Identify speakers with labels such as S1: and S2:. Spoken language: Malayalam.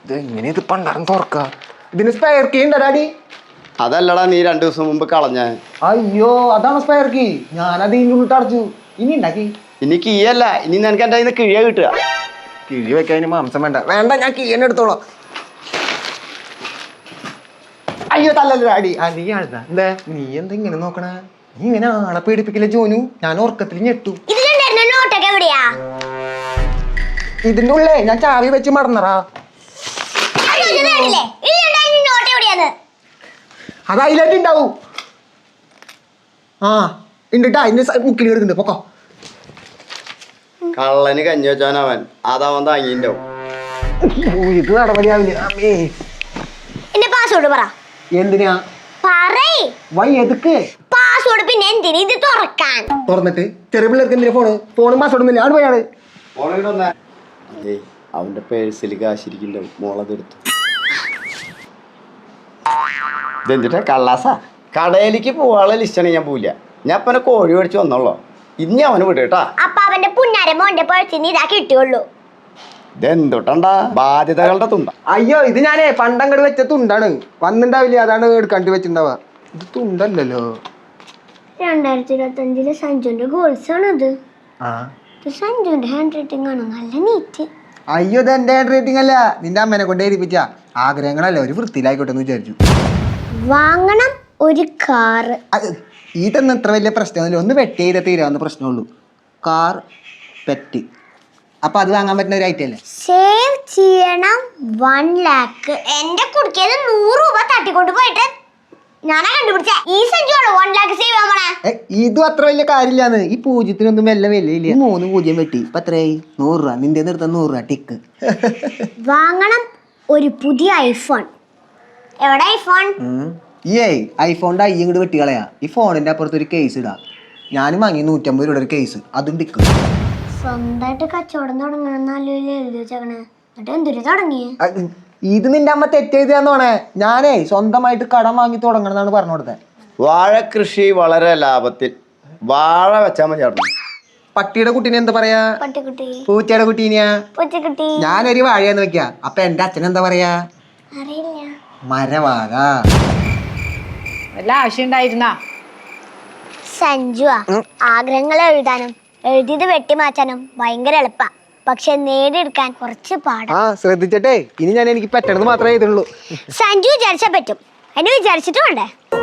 S1: എങ്ങനെ ഇത് പണ്ടാരം തുറക്ക? ഇതിന് സ്പെയർ കീ ഉണ്ടോ ഡാഡി?
S2: അതല്ലടാ നീ 2 ദിവസം മുമ്പ് കളഞ്ഞ.
S1: അയ്യോ അതാണ് സ്പെയർ കീ. ഞാനത് ഇങ്ങോട്ട് അടച്ചു. ഇനി ഉണ്ടാക്കി
S2: ഇനി കീയല്ല, ഇനി നിനക്ക് എൻ്റെ കയ്യിൽ നിന്ന് കിഴിയ കിട്ടുക.
S1: കിഴി വെക്കാൻ മാംസം വേണ്ട. വേണ്ട, ഞാൻ കീഴന്നെ എടുത്തോളാം. അയ്യോ തല്ലല്ലോ ഡാഡി. നീ ആഴ്ന്ന എന്താ നീ എന്താ ഇങ്ങനെ നോക്കണേ? നീ ഇങ്ങനെ ആളെ പേടിപ്പിക്കില്ല ജോനു. ഞാൻ ഉറക്കത്തിൽ ഞെട്ടു. ഇതിന്റെ ഉള്ളേ ഞാൻ ചാവി വെച്ച് മറന്നറാ. അത് അതിലേക്ക് ഉണ്ടാവൂ. ആ ഉണ്ടിട്ടാ. അതിന്റെ മുക്കിൽ എടുക്കുന്നുണ്ട്. പൊക്കോ.
S2: കള്ളന് കഞ്ഞി വെച്ചാനവൻ അതവൻ താങ്ങിണ്ടാവും.
S1: ഇത് നടപടിയാവില്ല. അമ്മേ
S3: പാസ്വേഡ് പറ.
S1: എന്തിനാ
S3: പാസ്വേഡ്? പിന്നെ എന്തിനാ ഇത് തുറക്കാൻ?
S1: തുറന്നിട്ട് ചെറിയ പിള്ളേർക്ക് എന്തിനാ ഫോണും പാസ്വേഡ് ഒന്നുമില്ല. അവിടെ പോയാണ്.
S2: അവന്റെ പേഴ്സിൽ കാശിരിക്കുന്നുണ്ടാവും. മോളതെടുത്തു. ഇതെന്തിട്ടാ കള്ളാസാ? കടയിലേക്ക് പോവാനുള്ള ലിസ്റ്റാണ്. ഞാൻ പോവില്ല. ഞാൻ അപ്പനെ കോഴി മേടിച്ച് വന്നോളൂ. ഇനി അവന് വിടേട്ടാ.
S3: അപ്പൊ അവന്റെ പുന്നാരെ മോന്റെ പഴത്തിന് ഇതാ കിട്ടിയുള്ളൂ.
S2: ഇതെന്തൊട്ടണ്ടാ ബാധ്യതകളുടെ തുണ്ട.
S1: അയ്യോ ഇത് ഞാനേ പണ്ടങ്ങട് വെച്ച തുണ്ടാണ്. വന്നിണ്ടാവില്ല, അതാണ് എടുക്കണ്ടി വെച്ചിണ്ടാവുക. ഇത് തുണ്ടല്ലോ.
S3: 2025 സഞ്ജുന്റെ ഗോൾസ് ആണത്. സഞ്ജുന്റെ ഹാൻഡ് റൈറ്റിംഗ് ആണ്. നല്ല നീറ്റ്.
S1: അയ്യോ ഇത് എന്റെ ഹാൻഡ് റൈറ്റിംഗ് അല്ല, നിന്റെ അമ്മേനെ കൊണ്ട് എഴുതിപ്പിച്ച ആഗ്രഹങ്ങളല്ലേ. ഒരു വൃത്തിയിലായിക്കോട്ടെ എന്ന് വിചാരിച്ചു.
S3: വാങ്ങണം ഒരു കാറ്.
S1: ഇതൊന്നും ഇത്ര വലിയ പ്രശ്നമൊന്നുമില്ല. ഒന്ന് വെട്ടി ചെയ്താൽ തീരാവുന്ന പ്രശ്നമുള്ളൂ. Car, pet. അപ്പൊ അത് വാങ്ങാൻ പറ്റുന്ന ഒരു ഐറ്റം അല്ലേ?
S3: സേവ് ചെയ്യണം 1 lakh. എന്റെ കുടിക്കത് 100 രൂപ തട്ടിക്കൊണ്ട് പോയിട്ട് ഞാനാ കണ്ടുപിടിച്ച. ഈ സഞ്ജുവാണോ 1 lakh സേവ് ചെയ്യാൻ പോണേ?
S1: ഇതും അത്ര വലിയ കാര്യമില്ലാന്ന്. ഈ പൂജ്യത്തിനൊന്നും വല്ല വിലയില്ല. 3 പൂജ്യം വെട്ടി ഇപ്പൊ എത്രയായി? 100 രൂപ. നിന്റെ നിർത്ത 100 രൂപ ടിക്ക്.
S3: വാങ്ങണം ഒരു പുതിയ ഐഫോൺ. എവിടെ ഐഫോൺ?
S1: ഐഫോണിന്റെ ഇങ്ങോട്ട് വെട്ടി കളയാ. ഈ ഫോണിന്റെ അപ്പുറത്ത് ഒരു കേസ് ഇടാ. ഞാനും വാങ്ങി 150 രൂപയുടെ ഒരു കേസ്. അതും ടിക്ക്.
S3: സ്വന്തമായിട്ട് കച്ചവടം തുടങ്ങണം എഴുതി വെച്ചേക്കണേ. എന്നിട്ട് എന്തൊരു തുടങ്ങിയേ?
S1: ഇത് നിന്റെ അമ്മ തെറ്റെഴുതിയാന്നോണേ. ഞാനേ സ്വന്തമായിട്ട് കടം വാങ്ങി തുടങ്ങണം എന്നാണ് പറഞ്ഞു കൊടുത്തത്.
S2: വാഴ കൃഷി വളരെ ലാഭത്തിൽ. വാഴ വെച്ചാൽ മതി.
S1: പട്ടിയുടെ കുട്ടീനെ എന്താ പറയാ?
S3: പട്ടിക്കുട്ടി.
S1: പൂച്ചയുടെ കുട്ടീനെയാ?
S3: പൂച്ചക്കുട്ടി.
S1: ഞാനൊരു വാഴയെന്ന് വെക്കാ. അപ്പൊ എന്റെ അച്ഛൻ എന്താ പറയാ?
S3: അറിയില്ല.
S1: മരവാഴ.
S4: വല്ല ആവശ്യം ഉണ്ടായിരുന്നാ?
S3: സഞ്ജുവാ, ആഗ്രഹങ്ങൾ എഴുതാനും എഴുതിയത് വെട്ടിമാറ്റാനും ഭയങ്കര എളുപ്പാ. പക്ഷെ നേടിയെടുക്കാൻ കുറച്ച് പാടാ.
S1: ശ്രദ്ധിച്ചട്ടെ. ഇനി ഞാൻ എനിക്ക് പറ്റണത് മാത്രമേ എഴുതുള്ളൂ.
S3: സഞ്ജു വിചാരിച്ചാ പറ്റും. എന്നെ വിചാരിച്ചിട്ട് വേണ്ടേ?